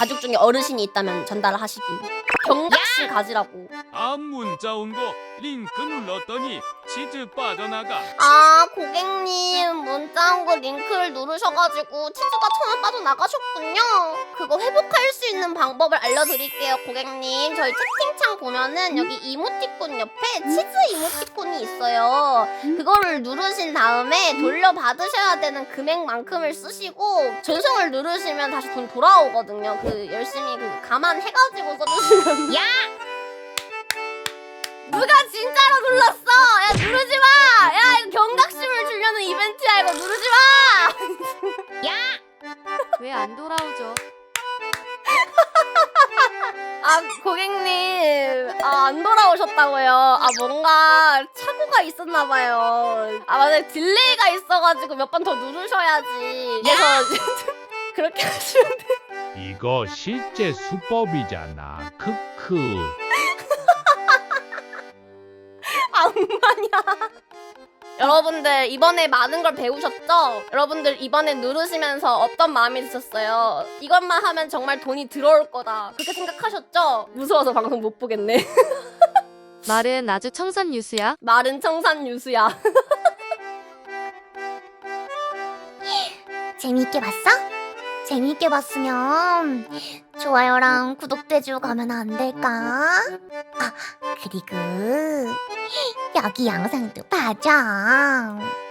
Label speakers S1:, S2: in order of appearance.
S1: 가족 중에 어르신이 있다면 전달하시길. 경각심 가지라고.
S2: 문자 온 거 링크 눌렀더니 치즈 빠져나가.
S1: 아, 고객님 문자 온 거 링크를 누르셔가지고 치즈가 1,000원 빠져나가셨군요. 그거 회복할 수 있는 방법을 알려드릴게요, 고객님. 저희 채팅창 보면은 여기 이모티콘 옆에 치즈 이모티콘이 있어요. 그거를 누르신 다음에 돌려받으셔야 되는 금액만큼을 쓰시고 전송을 누르시면 다시 돈 돌아오거든요. 그 열심히 그 감안해가지고 써주시면. 야! 누가 진짜로 눌렀어? 야, 누르지 마! 야, 이거 경각심을 주려는 이벤트야. 이거 누르지 마! 야!
S3: 왜 안 돌아오죠?
S1: 아, 고객님. 아, 안 돌아오셨다고요? 아, 뭔가 착오가 있었나봐요. 아, 맞아요. 딜레이가 있어가지고 몇 번 더 누르셔야지. 그래서 그렇게 하시면 돼요.
S4: 이거 실제 수법이잖아. 크크.
S1: 악마냐. 여러분들 이번에 많은 걸 배우셨죠? 여러분들 이번에 누르시면서 어떤 마음이 드셨어요? 이것만 하면 정말 돈이 들어올 거다 그렇게 생각하셨죠? 무서워서 방송 못 보겠네.
S3: 말은 아주 청산 유수야.
S1: 말은 청산 유수야.
S5: 재미있게 봤어? 재미있게 봤으면 좋아요랑 구독돼주고 가면 안 될까? 아, 그리고 여기 영상도 봐줘.